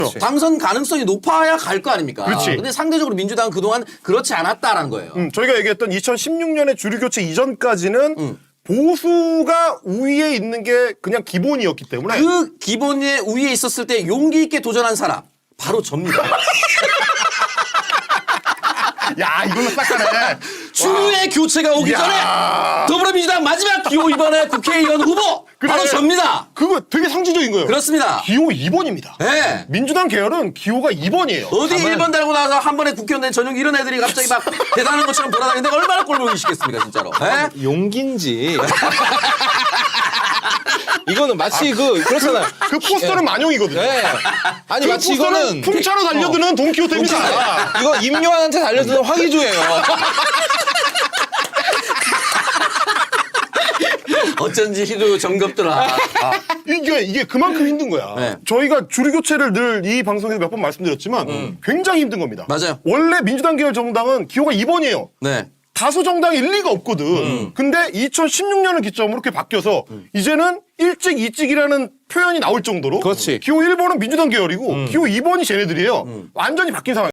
당선 가능성이 높아야 갈 거 아닙니까? 그렇지. 근데 상대적으로 민주당은 그동안 그렇지 않았다라는 거예요. 저희가 얘기했던 2016년에 주류교체 이전까지는 보수가 우위에 있는 게 그냥 기본이었기 때문에 그 기본에 우위에 있었을 때 용기 있게 도전한 사람 바로 접니다. 야 이걸로 싹 가네. 추후의 교체가 오기 야. 전에 더불어민주당 마지막 기호 2번의 국회의원 후보 바로 접니다. 그거 되게 상징적인 거예요. 그렇습니다. 기호 2번입니다. 네. 민주당 계열은 기호가 2번이에요. 어디 1번 달고 나서 한 번에 국회의원 된 전용 이런 애들이 갑자기 막 대단한 것처럼 돌아다니는데 얼마나 꼴보기 싫겠습니까 진짜로. 네? 용기인지. 이거는 마치 그렇잖아요. 그 포스터는 만용이거든요. 네. 아니 그 마치 포스터는 이거는 풍차로 달려드는 돈키호테입니다. 이거 임요한한테 달려드는 화기조예요. 어쩐지 희도 정겹더라. 이게 그만큼 힘든 거야. 네. 저희가 주류교체를 늘 이 방송에서 몇 번 말씀드렸지만 굉장히 힘든 겁니다. 맞아요. 원래 민주당 계열 정당은 기호가 2번이에요. 네. 다수 정당일 리가 없거든. 근데 2016년을 기점으로 이렇게 바뀌어서 이제는 일찍 이찍이라는 표현이 나올 정도로 그렇지. 기호 1번은 민주당 계열이고 기호 2번이 쟤네들이에요. 완전히 바뀐 상황.